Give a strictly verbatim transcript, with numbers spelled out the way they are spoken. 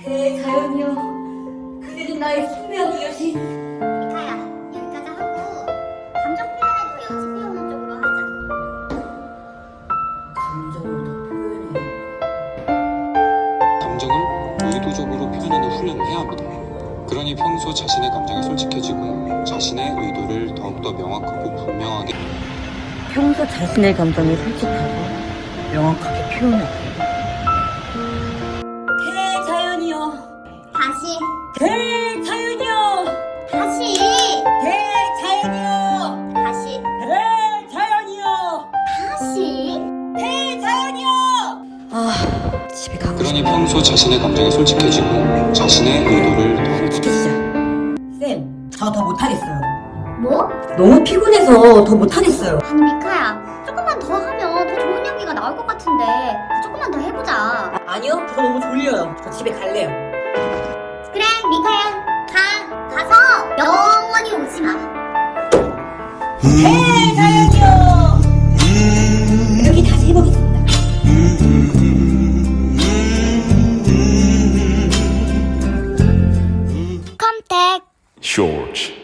대자연이여, 그대는 나의 숙명의 여신. 미카야, 여기까지 하고 감정 표현에도 여지 표현은 쪽으로 하자. 감정을 더 표현해. 감정을 의도적으로 표현하는 훈련을 해야 합니다. 그러니 평소 자신의 감정에 솔직해지고 자신의 의도를 더욱더 명확하고 분명하게 평소 자신의 감정에 솔직하고 명확하게 표현하고. 대자연이여, 다시, 대자연이여, 다시, 대자연이여, 다시, 대자연이여, 다시. 대자연이여. 아, 집에 가고 그러니 싶다. 평소 자신의 감정에 솔직해지고 자신의 의도를 더욱더 솔직해지자. 쌤, 저 더 못하겠어요. 뭐? 너무 피곤해서 더 못하겠어요. 아니 미카야, 조금만 더 하면 더 좋은 연기가 나올 것 같은데 조금만 더 해보자. 아, 아니요, 저 너무 졸려요. 저 집에 갈래요. 그래 미카야, 가. 가서 영원히 오지 마. 대자연이여, 이렇게 다시 해보겠습니다. 컴택. Short.